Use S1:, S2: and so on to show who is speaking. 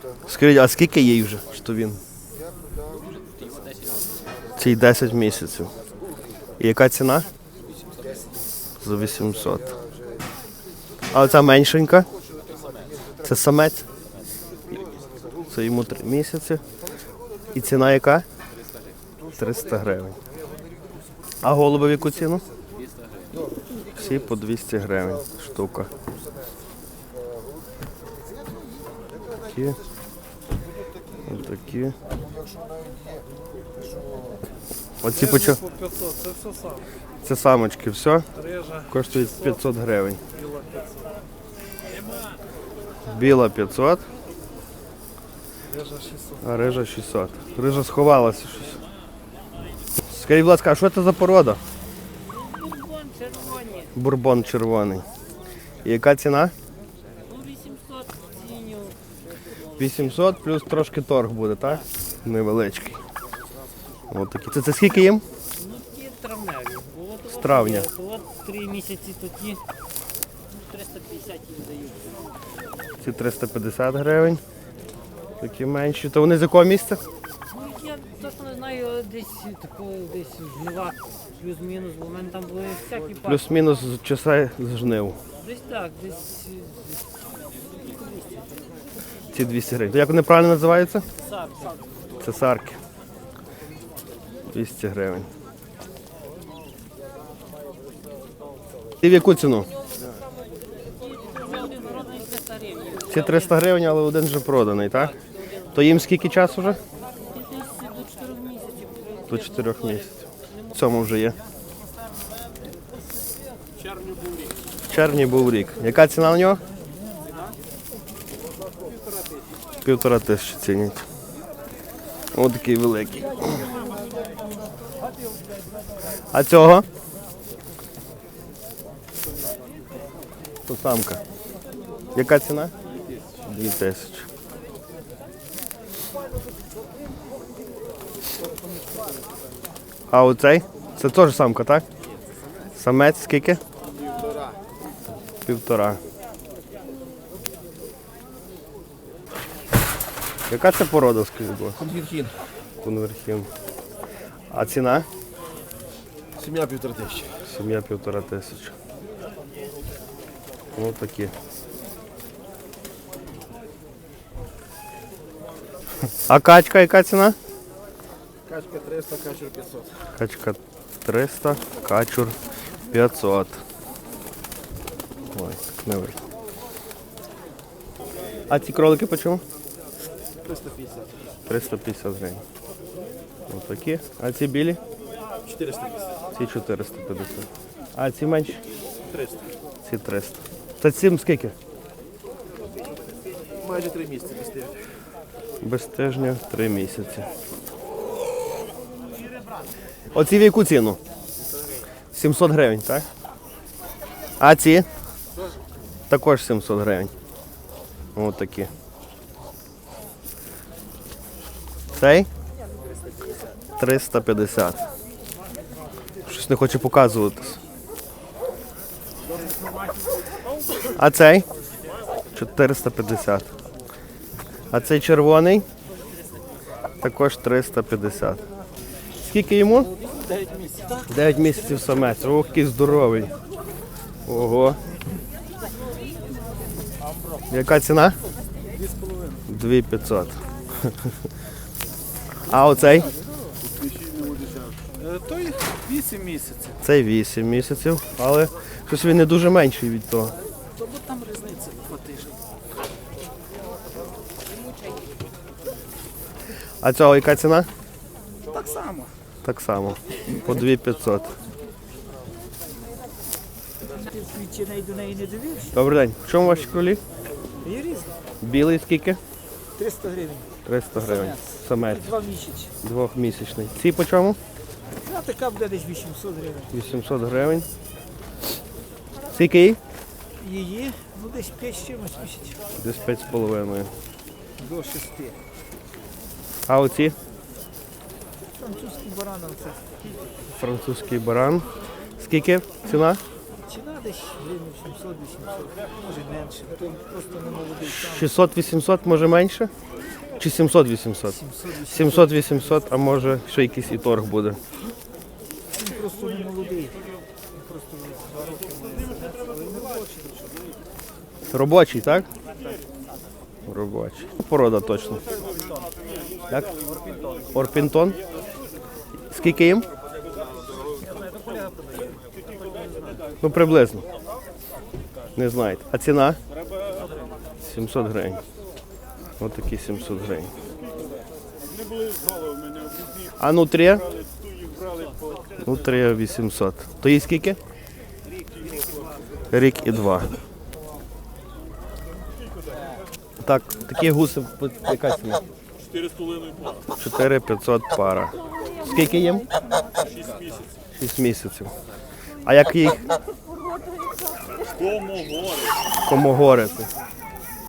S1: Скажіть, а скільки їй вже? Що він? Цій 10 місяців. І яка ціна? За 800. А оця меншенька? Це самець? Це йому 3 місяці. І ціна яка? 300 гривень. А голуби в яку ціну? Всі по 200 гривень штука. Такі. Отакі. Оці по чому? Це самочки, все? Коштують 500 гривень. Біла 500. А рижа 600. Рижа сховалася щось. Скажіть, будь ласка, а що це за порода?
S2: Бурбон червоний.
S1: Бурбон червоний. І яка ціна?
S2: 800 ціню.
S1: 800 плюс трошки торг буде, так? Невеличкий. Ось такі. Це скільки їм?
S2: Ну, ті травневі.
S1: З травня.
S2: От 3 місяці тоді. 350 їм дають.
S1: Ці 350 гривень. Такі менші. То вони з якого місця?
S2: Ну, я точно не знаю, десь такого, десь жнива, плюс-мінус, бо в мене там були всякі парки.
S1: Плюс-мінус з часа з жнив.
S2: Десь так, десь
S1: Ці 200 гривень. То як вони правильно називаються?
S2: сак.
S1: Це сарки. 200 гривень. І в яку ціну?
S2: Вже один народний 300 гривень.
S1: Ці 300 гривень, але один вже проданий, так? То їм скільки часу вже?
S2: Десь до 4 місяців.
S1: До 4 місяців. В цьому вже є. В червні був рік. Яка ціна на нього? 1500 цінять. Ось такий великий. А цього? То самка. Яка ціна? 2000. А оцей? Це теж самка, так? Самець скільки? 1,5. Яка це порода, скажіть, будь ласка?
S3: Конвірхін.
S1: Конверхін. А ціна?
S3: Сім'я 1500.
S1: Сім'я 1500. Ось такі. А качка яка ціна?
S3: Качка 300, качур 500.
S1: Качка 300, качур 500. Ой, не видно. А ці кролики по чому?
S3: 350.
S1: 350 гривень. Ось такі. А ці білі?
S3: 450.
S1: Ці 450. А ці менші?
S3: 300.
S1: Ці 300. Та цим скільки?
S3: Майже 3 місяці постійно.
S1: Без тижня 3 місяці. Оці в яку ціну? 700 гривень, так? А ці? Також 700 гривень. Ось такі. Цей? 350. Щось не хоче показуватись. А цей? 450. А цей червоний? Також 350. Скільки йому?
S2: 9 місяців.
S1: 9 місяців самець. Ох, який здоровий. Ого. Яка ціна? 2500. А оцей?
S3: Той 8 місяців.
S1: Цей 8 місяців, але щось він не дуже менший від того.
S3: То бо там різниця 2 тижні.
S1: А цього яка ціна?
S3: Так само.
S1: Так само. По 2500.
S2: Ти свідчений до неї не дивився?
S1: Добрий день. В чому ваші кролі?
S2: Є різні.
S1: Білий скільки?
S2: 300 гривень.
S1: 300 гривень. Самець.
S2: 2 місяці.
S1: 2-місячний. Ці по чому?
S2: А така буде десь 800 гривень.
S1: 800 гривень. Скільки їй?
S2: Її, ну десь 5 з чимось місяців.
S1: Десь 5,5.
S2: До 6.
S1: А оці?
S2: Французький баран це.
S1: Французький баран. Скільки ціна?
S2: Ціна десь гривень 700-800, може менше. То просто не молодий сам.
S1: 600-800, може менше? Чи 700-800? 700-800, а може ще якийсь і торг буде.
S2: Він просто не молодий. Він просто 2 роки має.
S1: Робочий, так? Робочий. Порода точно. Як? Орпінтон. Скільки їм? Ну, приблизно. Не знаєте. А ціна? 700 гривень. Ось такі 700 гривень. А нутрія? Нутрія 800. То їй скільки? Рік і 2. Так, такі гуси, яка ціна? 4500 пара. Скільки їм? 6 місяців. А як їх? Комогори.